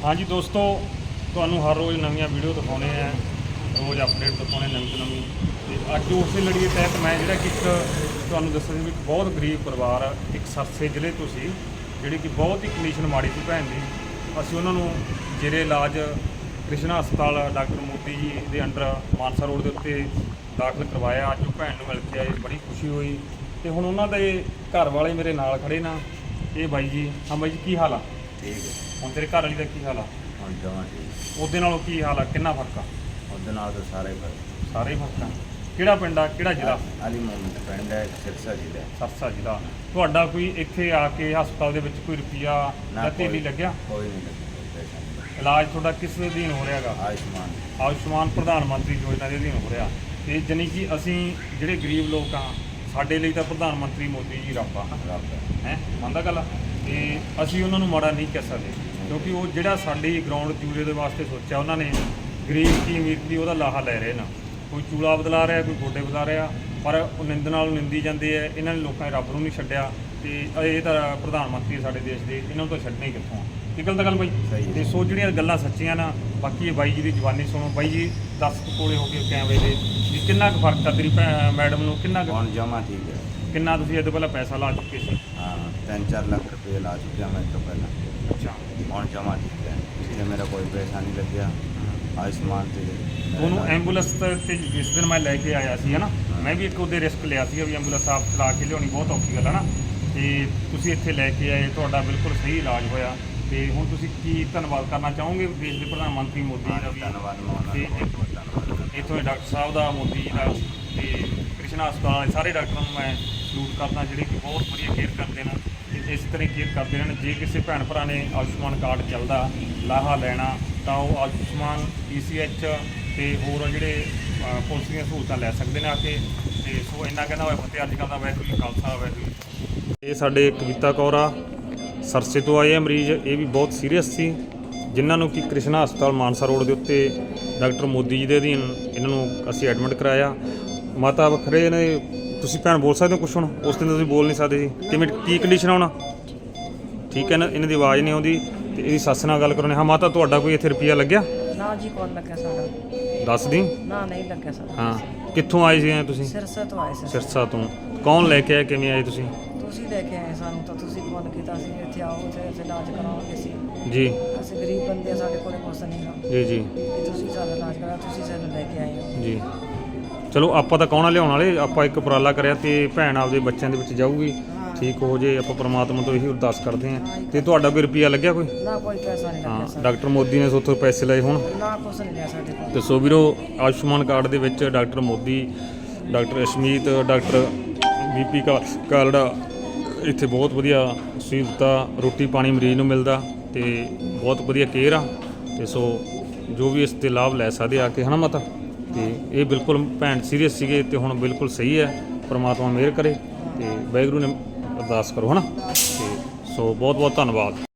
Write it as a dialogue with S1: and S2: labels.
S1: हाँ जी दोस्तों, ਤੁਹਾਨੂੰ हर रोज़ नवीं वीडियो दिखाने हैं, रोज़ अपडेट दिखाने नवीं तो नवीं। तो अज उस लड़ी के तहत मैं ਜਿਹੜਾ कि ਤੁਹਾਨੂੰ ਦੱਸਿਆ ਸੀ ਵੀ ਇੱਕ ਬਹੁਤ ਗਰੀਬ ਪਰਿਵਾਰ ਇੱਕ ਸਰਸੇ ਜ਼ਿਲ੍ਹੇ ਤੋਂ ਸੀ, ਜਿਹੜੀ ਕਿ ਬਹੁਤ ਹੀ ਕੰਡੀਸ਼ਨ ਮਾੜੀ ਸੀ ਭੈਣ ਦੀ। ਅਸੀਂ ਉਹਨਾਂ ਨੂੰ ਜੇਰੇ ਇਲਾਜ ਕ੍ਰਿਸ਼ਨਾ ਹਸਪਤਾਲ ਡਾਕਟਰ ਮੋਦੀ ਜੀ ਦੇ ਅੰਡਰ ਮਾਨਸਾ ਰੋਡ ਦੇ ਉੱਤੇ ਦਾਖਲ ਕਰਵਾਇਆ। ਅੱਜ ਉਹ ਭੈਣ ਨੂੰ ਮਿਲ ਕੇ ਆਏ, ਬੜੀ ਖੁਸ਼ੀ ਹੋਈ। ਤੇ ਹੁਣ ਉਹਨਾਂ ਦੇ ਘਰ ਵਾਲੇ ਮੇਰੇ ਨਾਲ ਖੜੇ ਨਾ, ਇਹ ਬਾਈ ਜੀ। ਹਾਂ ਬਾਈ ਜੀ, ਕੀ ਹਾਲ ਆ?
S2: ठीक है।
S1: ਹੁਣ ਤੇਰੇ ਘਰ ਵਾਲੀ ਦਾ ਕੀ ਹਾਲ ਆ?
S2: हम जमा ठीक
S1: ਉਹਦੇ ਨਾਲੋਂ ਕੀ ਹਾਲ ਆ? ਕਿੰਨਾ ਫਰਕ ਆ?
S2: उस तो सारे पर
S1: ਸਾਰੇ ਹੀ ਫਰਕ ਆ। ਕਿਹੜਾ ਪਿੰਡ ਆ, ਕਿਹੜਾ ਜ਼ਿਲ੍ਹਾ?
S2: अली मोहम्मद पिंड है, सिरसा जिला है।
S1: ਸਰਸਾ ਜ਼ਿਲ੍ਹਾ। ਤੁਹਾਡਾ ਕੋਈ ਇੱਥੇ ਆ ਕੇ ਹਸਪਤਾਲ ਦੇ ਵਿੱਚ ਕੋਈ ਰੁਪਈਆ ਜਾਂ ਤੇਲੀ ਲੱਗਿਆ?
S2: कोई नहीं लगा, कोई पैसा नहीं
S1: ਇਲਾਜ ਤੁਹਾਡਾ ਕਿਸ ਦੇ ਅਧੀਨ ਹੋ ਰਿਹਾ ਹੈਗਾ?
S2: लगा। आयुष्मान
S1: ਆਯੁਸ਼ਮਾਨ ਪ੍ਰਧਾਨ ਮੰਤਰੀ ਯੋਜਨਾ ਦੇ ਅਧੀਨ ਹੋ ਰਿਹਾ। ਤੇ ਜਾਣੀ ਕਿ ਅਸੀਂ ਜਿਹੜੇ ਗਰੀਬ ਲੋਕ ਆ, ਸਾਡੇ ਲਈ ਤਾਂ ਪ੍ਰਧਾਨ ਮੰਤਰੀ ਮੋਦੀ ਜੀ ਰੱਬ ਆ,
S2: रब है।
S1: ਹੈ ਮੰਨਦਾ ਗੱਲ। ਤੇ ਅਸੀਂ ਉਹਨਾਂ ਨੂੰ ਮਾੜਾ ਨਹੀਂ ਕਹਿ ਸਕਦੇ, ਕਿਉਂਕਿ ਉਹ ਜਿਹੜਾ ਸਾਡੀ ਗਰਾਊਂਡ ਚੂਲੇ ਦੇ ਵਾਸਤੇ ਸੋਚਿਆ ਉਹਨਾਂ ਨੇ, ਗਰੀਬ ਕੀ ਅਮੀਰ ਕੀ ਉਹਦਾ ਲਾਹਾ ਲੈ ਰਹੇ ਨਾ। ਕੋਈ ਚੂਲਾ ਬਦਲਾ ਰਿਹਾ, ਕੋਈ ਗੋਡੇ ਬਦਲਾ ਰਿਹਾ, ਪਰ ਉਹ ਨਿੰਦ ਨਾਲ ਨਿੰਦੀ ਜਾਂਦੇ ਆ। ਇਹਨਾਂ ਨੇ ਲੋਕਾਂ ਨੇ ਰੱਬ ਨੂੰ ਨਹੀਂ ਛੱਡਿਆ। ਤੇ ਇਹ ਤਾਂ ਪ੍ਰਧਾਨ ਮੰਤਰੀ ਸਾਡੇ ਦੇਸ਼ ਦੇ, ਇਹਨਾਂ ਨੂੰ ਤਾਂ ਛੱਡਣਾ ਹੀ ਕਿੱਥੋਂ ਆ। ਕੀ ਗੱਲ ਤਾਂ ਗੱਲ ਬਾਈ?
S2: ਸਹੀ ਹੈ।
S1: ਤੇ ਸੋ ਜਿਹੜੀਆਂ ਗੱਲਾਂ ਸੱਚੀਆਂ ਨਾ, ਬਾਕੀ ਇਹ ਬਾਈ ਜੀ ਦੀ ਜ਼ੁਬਾਨੀ ਸੁਣੋ। ਬਾਈ ਜੀ ਦੱਸ ਕੋਲੇ ਹੋ ਕੇ ਕੈਮਰੇ ਦੇ ਵੀ ਕਿੰਨਾ ਕੁ ਫਰਕ ਆ ਤੇਰੀ ਮੈਡਮ ਨੂੰ? ਕਿੰਨਾ ਕੁ,
S2: कौन जमा ठीक है।
S1: ਕਿੰਨਾ ਤੁਸੀਂ ਇਹ ਤੋਂ ਪਹਿਲਾਂ ਪੈਸਾ ਲਾ ਚੁੱਕੇ ਸੀ?
S2: हाँ 3-4 लाख रुपये ला चुका मैं तो पहले।
S1: ਅੱਛਾ।
S2: कौन जमा ठीक है, इसलिए मेरा कोई पैसा नहीं लग गया। आयुष्मान से
S1: ਉਹਨੂੰ ਐਂਬੂਲੈਂਸ ਤੇ ਜਿਸ ਦਿਨ ਮੈਂ ਲੈ ਕੇ ਆਇਆ ਸੀ ਹੈ ਨਾ, ਮੈਂ ਵੀ ਇੱਕ ਉਹਦੇ ਰਿਸਕ ਲਿਆ ਸੀ ਵੀ ਐਂਬੂਲੈਂਸ ਆਪ ਚਲਾ ਕੇ ਲਿਆਉਣੀ ਬਹੁਤ ਔਖੀ ਗੱਲ ਹੈ ਨਾ। ਤੇ ਤੁਸੀਂ ਇੱਥੇ ਲੈ ਕੇ ਆਏ, ਤੁਹਾਡਾ ਬਿਲਕੁਲ ਸਹੀ ਇਲਾਜ ਹੋਇਆ। ਤੇ ਹੁਣ ਤੁਸੀਂ ਕੀ ਧੰਨਵਾਦ ਕਰਨਾ ਚਾਹੋਗੇ ਦੇਸ਼ ਦੇ ਪ੍ਰਧਾਨ ਮੰਤਰੀ ਮੋਦੀ ਜੀ ਦਾ ਵੀ,
S2: धन्यवाद मैं
S1: ਤੇ
S2: उन्होंने बहुत धन्यवाद।
S1: ਇੱਥੋਂ ਦੇ ਡਾਕਟਰ ਸਾਹਿਬ ਦਾ, ਮੋਦੀ ਜੀ ਦਾ, ਤੇ ਕ੍ਰਿਸ਼ਨਾ ਹਸਪਤਾਲ ਵਾਲੇ ਸਾਰੇ ਡਾਕਟਰਾਂ ਨੂੰ ਮੈਂ ਸਲੂਟ ਕਰਦਾ, ਜਿਹੜੇ ਕਿ ਬਹੁਤ ਵਧੀਆ ਕੇਅਰ ਕਰਦੇ ਨੇ। ਤੇ ਇਸ ਤਰ੍ਹਾਂ ਕੇਅਰ ਕਰਦੇ ਰਹਿਣ। ਜੇ ਕਿਸੇ ਭੈਣ ਭਰਾ ਨੇ ਆਯੁਸ਼ਮਾਨ ਕਾਰਡ ਚੱਲਦਾ ਲਾਹਾ ਲੈਣਾ, ਤਾਂ ਉਹ ਆਯੁਸ਼ਮਾਨ ECH ਤੇ ਹੋਰ ਜਿਹੜੇ ਪੁਲਿਸ ਦੀਆਂ ਸਹੂਲਤਾਂ ਲੈ ਸਕਦੇ ਨੇ ਆ ਕੇ। ਤੇ ਸੋ ਇੰਨਾ ਕਹਿੰਦਾ ਹੋਇਆ ਫਤਿਹ। ਅੱਜ ਕੱਲ੍ਹ ਦਾ ਵਾਹਿਗੁਰੂ ਜੀ ਖਾਲਸਾ ਵਾਹਿਗੁਰੂ ਜੀ। ਇਹ ਸਾਡੇ ਕਵਿਤਾ ਕੌਰ ਆ, ਸਰਸੇ ਤੋਂ ਆਏ ਆ ਮਰੀਜ਼। ਇਹ ਵੀ ਬਹੁਤ ਸੀਰੀਅਸ ਸੀ, ਜਿਨ੍ਹਾਂ ਨੂੰ ਕਿ ਕ੍ਰਿਸ਼ਨਾ ਹਸਪਤਾਲ ਮਾਨਸਾ ਰੋਡ ਦੇ ਉੱਤੇ ਡਾਕਟਰ ਮੋਦੀ ਜੀ ਦੇ ਅਧੀਨ ਇਹਨਾਂ ਨੂੰ ਅਸੀਂ ਐਡਮਿਟ ਕਰਾਇਆ। ਮਾਤਾ ਵੱਖਰੇ ਨੇ। ਤੁਸੀਂ ਭੈਣ ਬੋਲ ਸਕਦੇ ਹੋ ਕੁਛ? ਹੁਣ ਉਸ ਦਿਨ ਤੁਸੀਂ ਬੋਲ ਨਹੀਂ ਸਕਦੇ ਸੀ। ਕਿਵੇਂ, ਕੀ ਕੰਡੀਸ਼ਨ ਆ ਹੁਣ? ਠੀਕ ਹੈ ਨਾ, ਇਹਨਾਂ ਦੀ ਆਵਾਜ਼ ਨਹੀਂ ਆਉਂਦੀ। ਤੇ ਇਹਦੀ ਸੱਸ ਨਾਲ ਗੱਲ ਕਰਨੀ। ਹਾਂ ਮਾਤਾ, ਤੁਹਾਡਾ ਕੋਈ ਇੱਥੇ ਰੁਪਈਆ ਲੱਗਿਆ?
S3: ਨਾ ਜੀ, ਕੌਣ ਲੱਗਿਆ ਸਾਡਾ?
S1: ਦੱਸ ਦੀ।
S3: ਨਾ ਨਹੀਂ ਲੱਗਿਆ ਸਾਡਾ।
S1: ਹਾਂ, ਕਿੱਥੋਂ ਆਏ ਸੀ ਤੁਸੀਂ?
S3: ਸਿਰਸਾ ਤੋਂ ਆਏ ਸੀ।
S1: ਸਿਰਸਾ ਤੋਂ। ਕੌਣ ਲੈ ਕੇ ਆਇਆ, ਕਿਵੇਂ ਆਏ ਤੁਸੀਂ?
S3: ਤੁਸੀਂ ਲੈ ਕੇ ਆਏ ਸਾਨੂੰ, ਤਾਂ ਤੁਸੀਂ ਫੋਨ ਕੀਤਾ ਸੀ ਇੱਥੇ ਆਓ, ਇੱਥੇ ਇਲਾਜ ਕਰਾਵਾਂਗੇ ਸੀ।
S1: ਜੀ
S3: ਅਸੀਂ ਗਰੀਬ ਬੰਦੇ ਆ, ਸਾਡੇ ਕੋਲ ਕੁਛ ਨਹੀਂ ਗਾ
S1: ਜੀ ਜੀ
S3: ਕਿ ਤੁਸੀਂ ਸਾਡਾ ਇਲਾਜ ਕਰਾ। ਤੁਸੀਂ ਸਾਨੂੰ ਲੈ ਕੇ ਆਏ ਹੋ
S1: ਜੀ। ਚਲੋ ਆਪਾਂ ਤਾਂ ਕੌਣਾ ਲਿਆਉਣ ਵਾਲੇ, ਆਪਾਂ ਇੱਕ ਉਪਰਾਲਾ ਕਰਿਆ ਤੇ ਭੈਣ ਆਪਦੇ ਬੱਚਿਆਂ ਦੇ ਵਿੱਚ ਜਾਊਗੀ, ਠੀਕ ਹੋ ਜੇ। ਆਪਾਂ ਪ੍ਰਮਾਤਮਾ ਤੋਂ ਇਹੀ ਅਰਦਾਸ ਕਰਦੇ ਹਾਂ। ਤੇ ਤੁਹਾਡਾ ਕੋਈ ਰੁਪਈਆ ਲੱਗਿਆ ਕੋਈ?
S3: ਨਾ, ਕੋਈ ਪੈਸਾ ਨਹੀਂ ਲੱਗਿਆ
S1: ਹਾਂ,
S3: ਸਾਡਾ।
S1: ਡਾਕਟਰ ਮੋਦੀ ਨੇ ਸੋਥੋਂ ਪੈਸੇ ਲਏ ਹੁਣ?
S3: ਨਾ, ਕੁਛ ਨਹੀਂ ਲਿਆ ਸਾਡੇ ਕੋਲ।
S1: ਤੇ ਸੋ ਵੀਰੋ, ਆਯੁਸ਼ਮਾਨ ਕਾਰਡ ਦੇ ਵਿੱਚ doctor Modi, doctor Ashmeet, doctor BP Kalra, ਇੱਥੇ ਬਹੁਤ ਵਧੀਆ ਸਹੂਲਤਾਂ, ਰੋਟੀ ਪਾਣੀ ਮਰੀਜ਼ ਨੂੰ ਮਿਲਦਾ ਤੇ ਬਹੁਤ ਵਧੀਆ ਕੇਅਰ ਆ। ਤੇ ਸੋ ਜੋ ਵੀ ਇਸ 'ਤੇ ਲਾਭ ਲੈ ਸਕਦੇ ਆ ਕੇ, ਹੈ ਨਾ ਮਾਤਾ? ਤੇ ਇਹ ਬਿਲਕੁਲ ਭੈਣ ਸੀਰੀਅਸ ਸੀਗੇ ਤੇ ਹੁਣ ਬਿਲਕੁਲ ਸਹੀ ਹੈ। ਪਰਮਾਤਮਾ ਮਿਹਰ ਕਰੇ ਤੇ ਵਾਹਿਗੁਰੂ ਨੇ ਅਰਦਾਸ ਕਰੋ, ਹੈ ਨਾ? ਤੇ ਸੋ ਬਹੁਤ ਬਹੁਤ ਧੰਨਵਾਦ।